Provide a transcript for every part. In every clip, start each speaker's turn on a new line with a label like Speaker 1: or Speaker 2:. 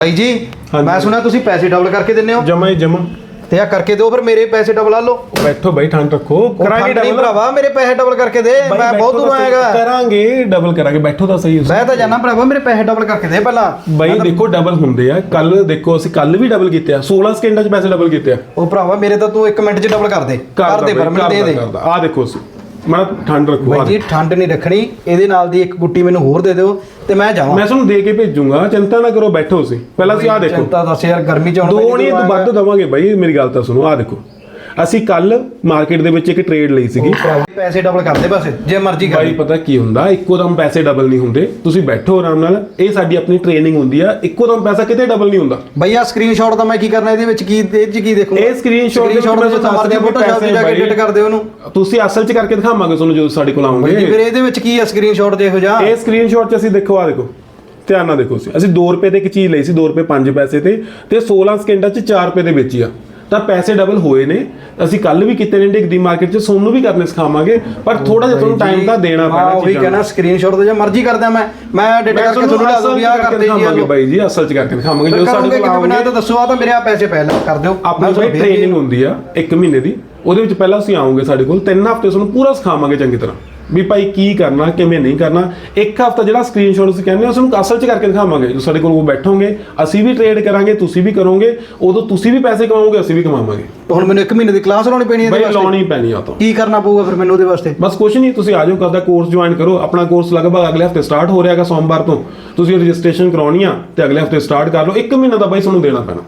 Speaker 1: भाई जी मैं सुना तुसी पैसे डबल करके देने हो
Speaker 2: जमा ही जमा
Speaker 1: ते आ करके दो फिर मेरे पैसे डबल ला लो।
Speaker 2: बैठो भाई ठंड रखो
Speaker 1: करांगे डबल भरावा मेरे पैसे डबल करके दे मैं बहुत दूर आएगा
Speaker 2: करांगे डबल करांगे बैठो ਤਾਂ ਸਹੀ
Speaker 1: मैं तो जाना भरावा मेरे पैसे डबल करके दे पहला
Speaker 2: ਬਾਈ ਦੇਖੋ ਡਬਲ ਹੁੰਦੇ ਆ ਕੱਲ ਦੇਖੋ ਅਸੀਂ ਕੱਲ ਵੀ ਡਬਲ ਕੀਤੇ ਆ 16 ਸਕਿੰਟਾਂ 'ਚ ਪੈਸੇ ਡਬਲ ਕੀਤੇ ਆ
Speaker 1: ਉਹ ਭਰਾਵਾ ਮੇਰੇ ਤਾਂ ਤੂੰ 1 ਮਿੰਟ 'ਚ ਡਬਲ ਕਰ ਦੇ ਪਰ ਮੈਨੂੰ ਦੇ ਦੇ
Speaker 2: ਆ ਦੇਖੋ ਅਸੀਂ ਮੈਂ ਠੰਡ ਰੱਖੋ
Speaker 1: ਭਾਈ ਜੀ ਠੰਡ ਨਹੀਂ ਰੱਖਣੀ ਇਹਦੇ ਨਾਲ ਦੀ ਇੱਕ ਗੁੱਟੀ ਮੈਨੂੰ ਹੋਰ ਦੇ ਦਿਓ ਤੇ ਮੈਂ ਜਾਵਾਂ
Speaker 2: ਮੈਂ ਤੁਹਾਨੂੰ ਦੇ ਕੇ ਭੇਜੂਗਾ ਚਿੰਤਾ ਨਾ ਕਰੋ ਬੈਠੋ ਤੁਸੀਂ ਪਹਿਲਾਂ ਤੁਸੀਂ ਆ ਦੇਖੋ
Speaker 1: ਚਿੰਤਾ ਦੱਸ ਯਾਰ ਗਰਮੀ 'ਚ ਹੁਣ
Speaker 2: ਦੋ ਨਹੀਂ ਤੂੰ ਵੱਧ ਦਵਾਂਗੇ ਬਾਈ ਮੇਰੀ ਗੱਲ ਤਾਂ ਸੁਣੋ ਆ ਦੇਖੋ ਅਸੀਂ ਕੱਲ ਮਾਰਕੀਟ ਦੇ ਵਿੱਚ ਇੱਕ ਟ੍ਰੇਡ ਲਈ ਸੀਗੀ
Speaker 1: ਪੈਸੇ ਡਬਲ ਕਰਦੇ ਬਸ ਜੇ ਮਰਜ਼ੀ ਕਰ
Speaker 2: ਬਾਈ ਪਤਾ ਕੀ ਹੁੰਦਾ ਇੱਕੋ ਦਮ ਪੈਸੇ ਡਬਲ ਨਹੀਂ ਹੁੰਦੇ ਤੁਸੀਂ ਬੈਠੋ ਆਰਾਮ ਨਾਲ ਇਹ ਸਾਡੀ ਆਪਣੀ ਟ੍ਰੇਨਿੰਗ ਹੁੰਦੀ ਆ ਇੱਕੋ ਦਮ ਪੈਸਾ ਕਿਤੇ ਡਬਲ ਨਹੀਂ ਹੁੰਦਾ
Speaker 1: ਬਈ ਆ ਸਕਰੀਨਸ਼ਾਟ ਤਾਂ ਮੈਂ ਕੀ ਕਰਨਾ ਇਹਦੇ ਵਿੱਚ ਕੀ ਦੇਖੂੰਗਾ
Speaker 2: ਇਹ ਸਕਰੀਨਸ਼ਾਟ
Speaker 1: ਦੇ ਮਾਰਦੇ ਫੋਟੋ ਪੈਸੇ ਜਾ ਕੇ ਐਡਿਟ ਕਰ ਦਿਓ ਉਹਨੂੰ
Speaker 2: ਤੁਸੀਂ ਅਸਲ 'ਚ ਕਰਕੇ ਦਿਖਾਵਾਂਗੇ ਤੁਹਾਨੂੰ ਜਦੋਂ ਸਾਡੇ ਕੋਲ ਆਉਂਗੇ
Speaker 1: ਫਿਰ ਇਹਦੇ ਵਿੱਚ ਕੀ ਆ ਸਕਰੀਨਸ਼ਾਟ ਦੇਖੋ ਜਾ
Speaker 2: ਇਹ ਸਕਰੀਨਸ਼ਾਟ 'ਚ ਅਸੀਂ ਦੇਖੋ ਆ ਦੇਖੋ ਧਿਆਨ ਨਾਲ ਦੇਖੋ ਅਸੀਂ 2 ਰੁਪਏ ਦੇ ਇੱਕ ਚੀਜ਼ ਲਈ ਸੀ 2 ਰੁਪਏ 5 ਪੈਸੇ ਤੇ 16 ਸਕਿੰਟਾਂ 'ਚ 4 ਰੁਪਏ ਦੇ ਵੇਚੀ ਆ ਤਾਂ ਪੈਸੇ ਡਬਲ ਹੋਏ ਨੇ ਅਸੀਂ ਕੱਲ ਵੀ ਕੀਤੇ ਨੇ ਡਿਗਦੀ ਮਾਰਕੀਟ 'ਚ ਸੋਨੂੰ ਵੀ ਕਰਨੇ ਸਿਖਾਵਾਂਗੇ ਪਰ ਥੋੜਾ ਜਿਹਾ ਤੁਹਾਨੂੰ ਟਾਈਮ ਤਾਂ ਦੇਣਾ ਪੈਣਾ
Speaker 1: ਉਹ ਵੀ ਕਹਿੰਦਾ ਸਕਰੀਨਸ਼ਾਟ ਤੇ ਜੇ ਮਰਜ਼ੀ ਕਰਦਾ ਮੈਂ ਐਡਿਟ ਕਰਕੇ ਤੁਹਾਨੂੰ ਲਾ ਦੂੰ ਵਿਆਹ ਕਰਦੇ ਜੀ
Speaker 2: ਬਾਈ ਜੀ ਅਸਲ 'ਚ ਕਰਕੇ ਦਿਖਾਵਾਂਗੇ ਜਦੋਂ ਸਾਡੇ ਕੋਲ ਆਉਂਗੇ
Speaker 1: ਬਣਾ ਤਾਂ ਦੱਸੋ ਆ ਤਾਂ ਮੇਰੇ ਆ ਪੈਸੇ ਪਹਿਲਾਂ ਕਰ ਦਿਓ
Speaker 2: ਆਪਣੀ ਬਾਈ ਟ੍ਰੇਨਿੰਗ ਹੁੰਦੀ ਆ 1 ਮਹੀਨੇ ਦੀ ਉਹਦੇ ਵਿੱਚ ਪਹਿਲਾਂ ਅਸੀਂ ਆਉਂਗੇ ਸਾਡੇ ਕੋਲ 3 ਹਫ਼ਤੇ ਤੁਹਾਨੂੰ ਪੂਰਾ ਸਿਖਾਵਾਂਗੇ ਚੰਗੀ ਤਰ੍ਹਾਂ ਵੀ ਭਾਈ ਕੀ ਕਰਨਾ ਕਿਵੇਂ ਨਹੀਂ ਕਰਨਾ ਇੱਕ ਹਫ਼ਤਾ ਜਿਹੜਾ ਸਕਰੀਨਸ਼ਾਟ ਅਸੀਂ ਕਹਿੰਦੇ ਆ ਤੁਹਾਨੂੰ ਅਸਲ 'ਚ ਕਰਕੇ ਦਿਖਾਵਾਂਗੇ ਜੋ ਸਾਡੇ ਕੋਲ ਉਹ ਬੈਠੋਗੇ ਅਸੀਂ ਵੀ ਟ੍ਰੇਡ ਕਰਾਂਗੇ ਤੁਸੀਂ ਵੀ ਕਰੋਗੇ ਉਦੋਂ ਤੁਸੀਂ ਵੀ ਪੈਸੇ ਕਮਾਓਗੇ ਅਸੀਂ ਵੀ ਕਮਾਵਾਂਗੇ
Speaker 1: ਹੁਣ ਮੈਨੂੰ 1 ਮਹੀਨੇ ਦੀ ਕਲਾਸ ਲਾਉਣੀ ਪੈਣੀ ਹੈ
Speaker 2: ਬਾਈ ਲਾਉਣੀ ਪੈਣੀ ਆ ਤਾਂ
Speaker 1: ਕੀ ਕਰਨਾ ਪਊਗਾ ਫਿਰ ਮੈਨੂੰ ਉਹਦੇ ਵਾਸਤੇ
Speaker 2: ਬਸ ਕੁਝ ਨਹੀਂ ਤੁਸੀਂ ਆ ਜਾਓ ਕਰਦਾ ਕੋਰਸ ਜੁਆਇਨ ਕਰੋ ਆਪਣਾ ਕੋਰਸ ਲਗਭਗ ਅਗਲੇ ਹਫ਼ਤੇ ਸਟਾਰਟ ਹੋ ਰਿਹਾਗਾ ਸੋਮਵਾਰ ਤੋਂ ਤੁਸੀਂ ਰਜਿਸਟ੍ਰੇਸ਼ਨ ਕਰਾਉਣੀ ਆ ਤੇ ਅਗਲੇ ਹਫ਼ਤੇ ਸਟਾਰਟ ਕਰ ਲਓ 1 ਮਹੀਨਾ ਦਾ ਬਾਈ ਤੁਹਾਨੂੰ ਦੇਣਾ ਪੈਣਾ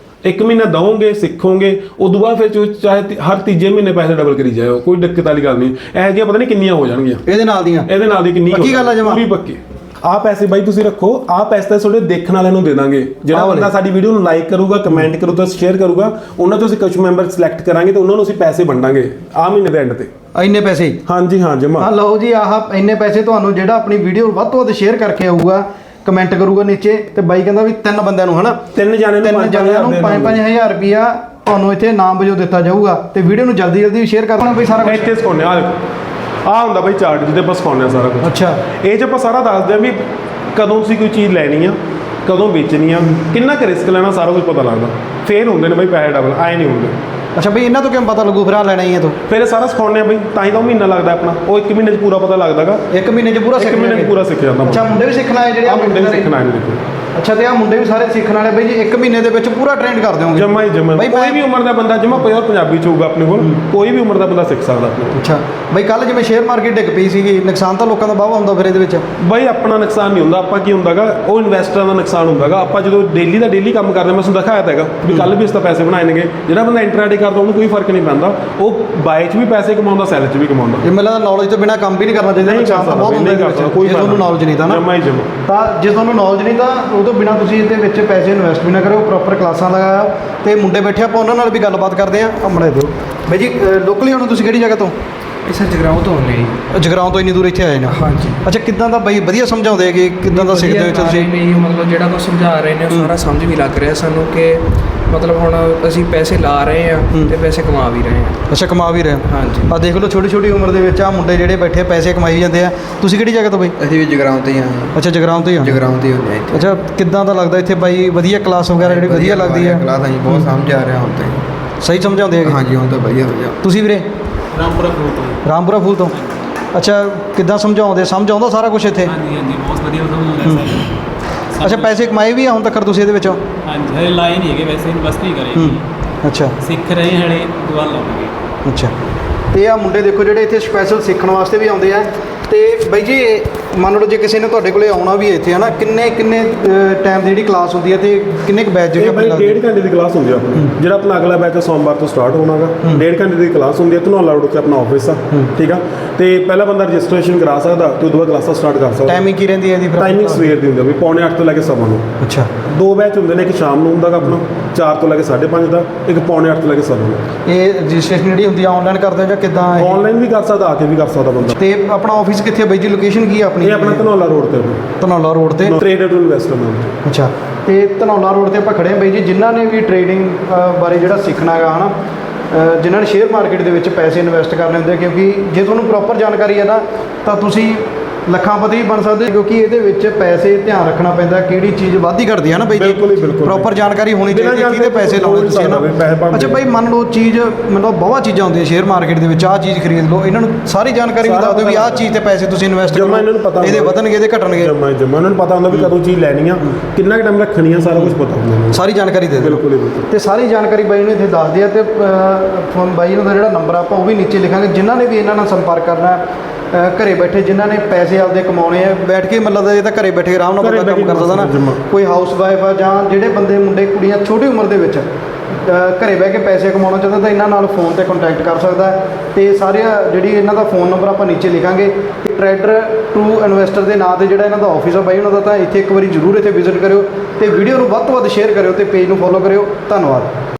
Speaker 2: 1 ਮਹੀਨਾ ਦਵੋਗੇ ਸਿੱਖੋਗੇ ਉਦੋਂ ਬਾਅਦ ਫਿਰ ਚਾਹੇ ਹਰ ਤੀਜੇ ਮਹੀਨੇ ਪੈਸੇ ਡਬਲ ਕਰੀ ਜਾਓ ਕੋਈ ਦਿੱਕਤ ਵਾਲੀ ਗੱਲ ਨਹੀਂ ਇਹ ਜਿਹਾ ਪਤਾ ਨਹੀਂ ਕਿੰਨੀਆਂ ਹੋ ਜਾਣਗੀਆਂ
Speaker 1: ਇਹਦੇ ਨਾਲ ਦੀ ਕਿੰਨੀ
Speaker 2: ਪੱਕੀ ਗੱਲ ਆ ਜਮਾ ਪੂਰੀ ਪੱਕੀ ਆ ਪੈਸੇ ਬਾਈ ਤੁਸੀਂ ਰੱਖੋ ਆ ਪੈਸੇ ਤਾਂ ਤੁਹਾਡੇ ਦੇਖਣ ਵਾਲਿਆਂ ਨੂੰ ਦੇ ਦਾਂਗੇ ਜਿਹੜਾ ਬੰਦਾ ਸਾਡੀ ਵੀਡੀਓ ਨੂੰ ਲਾਈਕ ਕਰੂਗਾ ਕਮੈਂਟ ਕਰੂਗਾ ਸ਼ੇਅਰ ਕਰੂਗਾ ਉਹਨਾਂ ਤੋਂ ਅਸੀਂ ਕੁਝ ਮੈਂਬਰ ਸਿਲੈਕਟ ਕਰਾਂਗੇ ਤੇ ਉਹਨਾਂ ਨੂੰ ਅਸੀਂ ਪੈਸੇ ਵੰਡਾਂਗੇ ਆ ਮਹੀਨੇ ਦੇ ਐਂਡ ਤੇ
Speaker 1: ਇੰਨੇ ਪੈਸੇ
Speaker 2: ਹਾਂਜੀ ਹਾਂ ਜਮਾ
Speaker 1: ਆ ਲਓ ਜੀ ਆਹ ਇੰਨੇ ਪੈਸੇ ਤੁਹਾਨੂੰ ਜਿਹੜਾ ਆਪਣੀ ਵੀਡੀਓ ਵੱਧ ਤੋਂ ਵੱਧ ਸ਼ੇਅਰ ਕਰਕੇ ਆਊਗਾ ਕਮੈਂਟ ਕਰੂਗਾ ਨੀਚੇ ਤੇ ਬਾਈ ਕਹਿੰਦਾ ਵੀ 3 ਬੰਦਿਆਂ ਨੂੰ ਹਨਾ 3 ਜਣਿਆਂ ਨੂੰ 5-5000 ਰੁਪਿਆ ਤੁਹਾਨੂੰ ਇੱਥੇ ਨਾਮ ਵਜੋਂ ਦਿੱਤਾ ਜਾਊਗਾ ਤੇ ਵੀਡੀਓ ਨੂੰ ਜਲਦੀ ਸ਼ੇਅਰ ਕਰ ਦੇਣਾ ਬਈ ਸਾਰਾ ਕੁਝ
Speaker 2: ਇੱਥੇ ਸਿਖਾਉਂਦੇ ਆ ਦੇਖੋ ਆ ਹੁੰਦਾ ਬਈ ਚਾਰਟ ਜਿਹਦੇ ਆਪਾਂ ਸਿਖਾਉਂਦੇ ਆ ਸਾਰਾ ਕੁਝ
Speaker 1: ਅੱਛਾ
Speaker 2: ਇਹ 'ਚ ਆਪਾਂ ਸਾਰਾ ਦੱਸਦੇ ਆ ਵੀ ਕਦੋਂ ਤੁਸੀਂ ਕੋਈ ਚੀਜ਼ ਲੈਣੀ ਆ ਕਦੋਂ ਵੇਚਣੀ ਆ ਕਿੰਨਾ ਕੁ ਰਿਸਕ ਲੈਣਾ ਸਾਰਾ ਕੁਝ ਪਤਾ ਲੱਗਦਾ ਫੇਰ ਹੁੰਦੇ ਨੇ ਬਈ ਪੈਸੇ ਡਬਲ ਆਏ ਨਹੀਂ ਹੁੰਦੇ
Speaker 1: ਅੱਛਾ ਬਈ ਇਹਨਾਂ ਤੋਂ ਕਿਵੇਂ ਪਤਾ ਲੱਗੂ ਫਿਰ ਆ ਲੈਣਾ ਹੀ ਹੈ ਤੂੰ
Speaker 2: ਫਿਰ ਸਾਰਾ ਸਿਖਾਉਂਦੇ ਆ ਬਈ ਤਾਂ ਹੀ ਤਾਂ ਮਹੀਨਾ ਲੱਗਦਾ ਆਪਣਾ ਉਹ 1 ਮਹੀਨੇ 'ਚ ਪੂਰਾ ਪਤਾ ਲੱਗਦਾਗਾ
Speaker 1: 1 ਮਹੀਨੇ 'ਚ ਪੂਰਾ
Speaker 2: ਸਿੱਖ ਜਾਂਦਾ
Speaker 1: ਅੱਛਾ ਮੁੰਡੇ ਵੀ ਸਿੱਖਣਾ ਹੈ ਜਿਹੜੇ
Speaker 2: ਆ ਮੁੰਡੇ ਵੀ ਸਿੱਖਣਾ ਹੈ ਦੇਖੋ
Speaker 1: ਅੱਛਾ ਤੇ ਆ ਮੁੰਡੇ ਵੀ ਸਾਰੇ ਸਿੱਖਣ ਵਾਲੇ ਬਈ ਜੀ 1 ਮਹੀਨੇ ਦੇ ਵਿੱਚ ਪੂਰਾ ਟ੍ਰੇਨਡ ਕਰ ਦਿਓਗੇ
Speaker 2: ਜਮਾ ਹੀ ਜਮਾ ਕੋਈ ਵੀ ਉਮਰ ਦਾ ਬੰਦਾ ਜਮਾ ਪਿਓਰ ਪੰਜਾਬੀ ਚ ਹੋਊਗਾ ਆਪਣੇ ਕੋਲ ਕੋਈ ਵੀ ਉਮਰ ਦਾ ਬੰਦਾ ਸਿੱਖ ਸਕਦਾ ਆਪਣੇ
Speaker 1: ਅੱਛਾ ਬਈ ਕੱਲ ਜਿਵੇਂ ਸ਼ੇਅਰ ਮਾਰਕੀਟ ਡਿੱਗ ਪਈ ਸੀਗੀ ਨੁਕਸਾਨ ਤਾਂ ਲੋਕਾਂ ਦਾ ਵਾਹਵਾ ਹੁੰਦਾ ਫਿਰ ਇਹਦੇ ਵਿੱਚ
Speaker 2: ਬਈ ਆਪਣਾ ਨੁਕਸਾਨ ਨਹੀਂ ਹੁੰਦਾ ਆਪਾਂ ਕੀ ਹੁੰਦਾਗਾ ਉਹ ਇਨਵੈਸਟਰਾਂ ਦਾ ਨੁਕਸਾਨ ਹੁੰਦਾਗਾ ਆਪਾਂ ਜਦੋਂ ਡੇਲੀ ਕੰਮ ਕਰਦੇ ਮੈਂ ਤੁਹਾਨੂੰ ਦਿਖਾਇਆ ਤਾਂਗਾ ਵੀ ਕੱਲ ਵੀ ਇਸ ਤਾਂ ਪੈਸੇ ਬਣਾਏ ਨੇਗੇ ਜਿਹੜਾ ਬੰਦਾ ਇੰਟਰਾਡੇ ਕਰਦਾ ਉਹਨੂੰ ਕੋਈ ਫਰਕ ਨਹੀਂ ਪੈਂਦਾ ਉਹ ਬਾਏ 'ਚ ਵੀ ਪੈਸੇ ਕਮਾਉਂਦਾ ਸੈਲ 'ਚ ਵੀ ਕਮਾਉਂਦਾ
Speaker 1: ਇਹ ਮੈਨੂੰ ਲੱਗਦਾ ਨੌਲੇਜ ਤੋਂ ਬਿਨਾ ਕੰਮ ਵੀ ਨਹੀਂ ਕਰਨਾ ਚਾਹੀਦਾ ਨੁਕਸਾਨ ਤਾਂ ਬਹੁਤ ਹੁੰਦਾ ਕੋਈ ਤੁਹਾਨੂੰ ਨੌਲੇਜ ਨਹੀਂ ਤਾਂ ਨਾ
Speaker 2: ਜਮਾ ਹੀ ਜਮਾ
Speaker 1: ਤਾਂ ਜੇ ਤੁਹਾਨੂੰ ਨੌਲੇਜ ਨਹੀਂ ਤਾਂ ਉਹ ਤੋਂ ਬਿਨਾ ਤੁਸੀਂ ਇਹਦੇ ਵਿੱਚ ਪੈਸੇ ਇਨਵੈਸਟ ਵੀ ਨਾ ਕਰੋ ਪ੍ਰੋਪਰ ਕਲਾਸਾਂ ਲਗਾਓ ਤੇ ਮੁੰਡੇ ਬੈਠੇ ਆਪਾਂ ਉਹਨਾਂ ਨਾਲ ਵੀ ਗੱਲਬਾਤ ਕਰਦੇ ਆਂ ਅਮੜੇ ਦਿਓ ਬਈ ਜੀ ਲੋਕਲੀ ਹੁਣ ਤੁਸੀਂ ਕਿਹੜੀ ਜਗ੍ਹਾ ਤੋਂ
Speaker 3: ਇਹ ਸਰ ਜਗਰਾਉਂ ਤੋਂ ਆਉਂਦੇ ਜੀ
Speaker 1: ਜਗਰਾਉਂ ਤੋਂ ਇੰਨੀ ਦੂਰ ਇੱਥੇ ਆਏ ਨੇ
Speaker 3: ਹਾਂਜੀ
Speaker 1: ਅੱਛਾ ਕਿੱਦਾਂ ਦਾ ਬਈ ਵਧੀਆ ਸਮਝਾਉਂਦੇ ਹੈਗੇ ਕਿੱਦਾਂ ਦਾ ਸਿੱਖਦੇ ਹੋ ਤੁਸੀਂ
Speaker 3: ਨਹੀਂ ਮਤਲਬ ਜਿਹੜਾ ਕੁਝ ਸਮਝਾ ਰਹੇ ਨੇ ਉਹ ਸਾਰਾ ਸਮਝ ਵੀ ਲੱਗ ਰਿਹਾ ਸਾਨੂੰ ਕਿ ਮਤਲਬ ਹੁਣ ਅਸੀਂ ਪੈਸੇ ਲਾ ਰਹੇ ਆ ਤੇ ਪੈਸੇ ਕਮਾ ਵੀ ਰਹੇ ਆ
Speaker 1: ਅੱਛਾ ਕਮਾ ਵੀ ਰਹੇ
Speaker 3: ਹਾਂਜੀ
Speaker 1: ਆ ਦੇਖ ਲਓ ਛੋਟੀ ਉਮਰ ਦੇ ਵਿੱਚ ਆ ਮੁੰਡੇ ਜਿਹੜੇ ਬੈਠੇ ਪੈਸੇ ਕਮਾਈ ਜਾਂਦੇ ਆ ਤੁਸੀਂ ਕਿਹੜੀ ਜਗ੍ਹਾ ਤੋਂ ਬਈ
Speaker 3: ਅਸੀਂ ਵੀ ਜਗਰਾਉਂ ਤੋਂ ਹੀ ਆਏ
Speaker 1: ਅੱਛਾ ਜਗਰਾਉਂ ਤੋਂ ਹੀ
Speaker 3: ਜਗਰਾਉਂ ਤੋਂ ਹੀ ਹੁੰਦੇ ਆ
Speaker 1: ਅੱਛਾ ਕਿੱਦਾਂ ਦਾ ਲੱਗਦਾ ਇੱਥੇ ਬਾਈ ਵਧੀਆ ਕਲਾਸ ਵਗੈਰਾ ਜਿਹੜੀ ਵਧੀਆ ਲੱਗਦੀ ਹੈ
Speaker 3: ਕਲਾਸ ਅਸੀਂ ਬਹੁਤ ਸਮਝ ਆ ਰਿਹਾ ਹੁਣ ਤੇ
Speaker 1: ਸਹੀ ਸਮਝਾਉਂਦੇ ਹੈਗੇ
Speaker 3: ਹਾਂਜੀ ਹੁਣ ਤਾਂ ਵਧੀਆ
Speaker 1: ਤੁਸੀਂ ਵੀਰੇ ਰਾਮਪੁਰਾ ਫੂਲ ਤੋਂ ਅੱਛਾ ਕਿੱਦਾਂ ਸਮਝ ਆਉਂਦਾ ਸਾਰਾ ਕੁਝ ਇੱਥੇ
Speaker 4: ਹਾਂਜੀ ਬਹੁਤ ਵਧੀਆ ਸਮਝਾਉਂਦਾ
Speaker 1: ਅੱਛਾ ਪੈਸੇ ਕਮਾਏ ਵੀ ਆ ਹੁਣ ਤੱਕ ਤੁਸੀਂ ਇਹਦੇ ਵਿੱਚੋਂ
Speaker 4: ਹਾਂਜੀ ਹਲੇ ਲਾਏ ਨਹੀਂ ਹੈਗੇ ਵੈਸੇ ਇਨਵੈਸਟ ਨਹੀਂ ਕਰੇ
Speaker 1: ਅੱਛਾ
Speaker 4: ਸਿੱਖ ਰਹੇ ਹਲੇ ਦੁਆ ਲਾਵਾਂਗੇ
Speaker 1: ਅੱਛਾ ਤੇ ਆ ਮੁੰਡੇ ਦੇਖੋ ਜਿਹੜੇ ਇੱਥੇ ਸਪੈਸ਼ਲ ਸਿੱਖਣ ਵਾਸਤੇ ਵੀ ਆਉਂਦੇ ਆ ਤੇ ਬਾਈ ਜੀ ਮੰਨ ਲਓ ਜੇ ਕਿਸੇ ਨੇ ਤੁਹਾਡੇ ਕੋਲੇ ਆਉਣਾ ਵੀ ਇੱਥੇ ਹੈ ਨਾ ਕਿੰਨੇ ਟਾਈਮ ਦੀ ਜਿਹੜੀ ਕਲਾਸ ਹੁੰਦੀ ਹੈ ਤੇ ਕਿੰਨੇ ਕੁ ਬੈਚ ਜਿਹੜੇ
Speaker 2: ਬਾਈ 1.5 ਘੰਟੇ ਦੀ ਕਲਾਸ ਹੁੰਦੀ ਆ ਆਪਣੀ ਜਿਹੜਾ ਆਪਣਾ ਅਗਲਾ ਬੈਚ ਸੋਮਵਾਰ ਤੋਂ ਸਟਾਰਟ ਹੋਣਾਗਾ 1.5 ਘੰਟੇ ਦੀ ਕਲਾਸ ਹੁੰਦੀ ਹੈ ਧਨੌਲਾ ਰੋਡ 'ਤੇ ਆਪਣਾ ਆਫਿਸ ਆ ਠੀਕ ਆ ਤੇ ਪਹਿਲਾ ਬੰਦਾ ਰਜਿਸਟ੍ਰੇਸ਼ਨ ਕਰਾ ਸਕਦਾ ਤੇ ਉਦੋਂ ਬਾਅਦ ਕਲਾਸਾਂ ਸਟਾਰਟ ਕਰ ਸਕਦਾ
Speaker 1: ਟਾਈਮਿੰਗ ਕੀ ਰਹਿੰਦੀ ਹੈ ਇਹਦੀ
Speaker 2: ਟਾਈਮਿੰਗ ਸਵੇਰ ਦੀ ਹੁੰਦੀ ਆ ਵੀ 8:45 ਤੋਂ ਲੈ ਕੇ 9:30
Speaker 1: ਅੱਛਾ
Speaker 2: 2 ਬੈਚ ਹੁੰਦੇ ਨੇ ਇੱਕ ਸ਼ਾਮ ਨੂੰ ਹੁੰਦਾਗਾ ਆਪਣਾ 4 ਤੋਂ ਲੈ ਕੇ 5:30 ਦਾ ਇੱਕ 8:45 ਤੋਂ ਲੈ ਕੇ 9:30
Speaker 1: ਇਹ ਰਜਿਸਟ੍ਰੇਸ਼ਨ ਜਿਹੜੀ ਹੁੰਦੀ ਆ ਆਨਲਾਈਨ ਕਰਦੇ ਜਾਂ ਕਿੱਦਾਂ
Speaker 2: ਆਨਲਾਈਨ ਵੀ ਕਰ ਸਕਦਾ ਆ ਕੇ ਵੀ ਕਰ ਸਕਦਾ ਬੰਦਾ
Speaker 1: ਤੇ ਆਪਣਾ ਆਫਿਸ ਕਿੱਥੇ ਬਾਈ ਜੀ ਲੋਕੇਸ਼ਨ ਕੀ ਆ ਆਪਣੀ
Speaker 2: ਇਹ ਆਪਣਾ ਧਨੌਲਾ ਰੋਡ ਤੇ
Speaker 1: ਧਨੌਲਾ ਰੋਡ ਤੇ
Speaker 2: ਟ੍ਰੇਡਰ ਟੂ ਇਨਵੈਸਟਮੈਂਟ
Speaker 1: ਅੱਛਾ ਤੇ ਧਨੌਲਾ ਰੋਡ ਤੇ ਆਪਾਂ ਖੜੇ ਹਾਂ ਬਾਈ ਜੀ ਜਿਨ੍ਹਾਂ ਨੇ ਵੀ ਟ੍ਰੇਡਿੰਗ ਬਾਰੇ ਜਿਹੜਾ ਸਿੱਖਣਾ ਹੈਗਾ ਹਨਾ ਜਿਨ੍ਹਾਂ ਨੇ ਸ਼ੇਅਰ ਮਾਰਕੀਟ ਦੇ ਵਿੱਚ ਪੈਸੇ ਇਨਵੈਸਟ ਕਰਨੇ ਹੁੰਦੇ ਕਿਉਂਕਿ ਜੇ ਤੁਹਾਨੂੰ ਪ੍ਰੋਪਰ ਜਾਣਕਾਰੀ ਹੈ ਨਾ ਤਾਂ ਤੁਸੀਂ ਲੱਖਾਂਪਤੀ ਵੀ ਬਣ ਸਕਦੇ, ਕਿਉਂਕਿ ਇਹਦੇ ਵਿੱਚ ਪੈਸੇ ਧਿਆਨ ਰੱਖਣਾ ਪੈਂਦਾ ਕਿਹੜੀ ਚੀਜ਼ ਵੱਧਦੀ ਘਟਦੀ ਹੈ ਨਾ ਬਾਈ ਜੀ।
Speaker 2: ਬਿਲਕੁਲ ਹੀ ਬਿਲਕੁਲ।
Speaker 1: ਪ੍ਰੋਪਰ ਜਾਣਕਾਰੀ ਹੋਣੀ
Speaker 2: ਬਿਨਾਂ
Speaker 1: ਚਾਹੀਦੀ ਕਿਹਦੇ ਪੈਸੇ ਲਾਉਣੇ ਤੁਸੀਂ ਨਾ।
Speaker 2: ਪੈਸੇ ਭਾਵੇਂ
Speaker 1: ਅੱਛਾ ਬਾਈ ਮੰਨ ਲਓ ਚੀਜ਼ ਮਤਲਬ ਬਹੁਤ ਚੀਜ਼ਾਂ ਹੁੰਦੀਆਂ ਸ਼ੇਅਰ ਮਾਰਕੀਟ ਦੇ ਵਿੱਚ, ਆਹ ਚੀਜ਼ ਖਰੀਦ ਲਓ, ਇਹਨਾਂ ਨੂੰ ਸਾਰੀ ਜਾਣਕਾਰੀ ਵੀ ਦੱਸ ਦਿਓ ਵੀ ਆਹ ਚੀਜ਼ ਤੇ ਪੈਸੇ ਤੁਸੀਂ ਇਨਵੈਸਟ
Speaker 2: ਜਮਾਂ ਇਹਨਾਂ ਨੂੰ
Speaker 1: ਕਰੋ,
Speaker 2: ਪਤਾ
Speaker 1: ਇਹਦੇ ਵਧਣਗੇ ਇਹਦੇ ਘਟਣਗੇ,
Speaker 2: ਜਮਾ ਉਹਨਾਂ ਨੂੰ ਪਤਾ ਹੁੰਦਾ ਵੀ ਕਦੋਂ ਚੀਜ਼ ਲੈਣੀ ਆ, ਕਿੰਨਾ ਕੁ ਟਾਈਮ ਰੱਖਣੀ ਆ, ਸਾਰਾ ਕੁਝ ਪਤਾ ਹੁੰਦਾ ਉਹਨਾਂ ਨੂੰ।
Speaker 1: ਸਾਰੀ ਜਾਣਕਾਰੀ ਦੇ ਦਿਓ।
Speaker 2: ਬਿਲਕੁਲ ਹੀ ਬਿਲਕੁਲ।
Speaker 1: ਤੇ ਸਾਰੀ ਜਾਣਕਾਰੀ ਬਾਈ ਨੂੰ ਇੱਥੇ ਦੱਸ ਦਿਆ ਤੇ ਫੋਨ ਬਾਈ ਨੂੰ ਦਾ ਜਿਹੜਾ ਨੰਬਰ ਆਪਾਂ ਉਹ ਵੀ ਨੀਚੇ ਲਿਖਾਂਗੇ। ਜਿਨ੍ਹਾਂ ਨੇ ਵੀ ਇਹਨਾਂ ਨਾਲ ਸੰਪਰਕ ਕਰਨਾ ਘਰੇ ਬੈਠੇ, ਜਿਨ੍ਹਾਂ ਨੇ ਪੈਸੇ ਆਪਦੇ ਕਮਾਉਣੇ ਆ, ਬੈਠ ਕੇ ਮਤਲਬ ਇਹ ਤਾਂ ਘਰੇ ਬੈਠੇ ਆਰਾਮ ਨਾਲ ਬੰਦਾ ਕੰਮ ਕਰ ਸਕਦਾ ਨਾ। ਕੋਈ ਹਾਊਸ ਵਾਈਫ ਆ ਜਾਂ ਜਿਹੜੇ ਬੰਦੇ ਮੁੰਡੇ ਕੁੜੀਆਂ ਛੋਟੀ ਉਮਰ ਦੇ ਵਿੱਚ ਘਰੇ ਬਹਿ ਕੇ ਪੈਸੇ ਕਮਾਉਣਾ ਚਾਹੁੰਦਾ ਤਾਂ ਇਹਨਾਂ ਨਾਲ ਫੋਨ ਤੇ ਕੰਟੈਕਟ ਕਰ ਸਕਦਾ ਹੈ। ਤੇ ਸਾਰੇ ਜਿਹੜੀ ਇਹਨਾਂ ਦਾ ਫੋਨ ਨੰਬਰ ਆਪਾਂ ਨੀਚੇ ਲਿਖਾਂਗੇ। ਟਰੇਡਰ ਟੂ ਇਨਵੈਸਟਰ ਦੇ ਨਾਂ ਤੇ ਜਿਹੜਾ ਇਹਨਾਂ ਦਾ ਆਫਿਸ ਆ ਬਾਈ ਉਹਨਾਂ ਦਾ, ਤਾਂ ਇੱਥੇ ਇੱਕ ਵਾਰੀ ਜ਼ਰੂਰ ਇੱਥੇ ਵਿਜ਼ਿਟ ਕਰਿਓ ਤੇ ਵੀਡੀਓ ਨੂੰ ਵੱਧ ਤੋਂ ਵੱਧ ਸ਼ੇਅਰ ਕਰਿਓ ਤੇ ਪੇਜ ਨੂੰ ਫੋਲੋ ਕਰਿਓ। ਧੰਨਵਾਦ।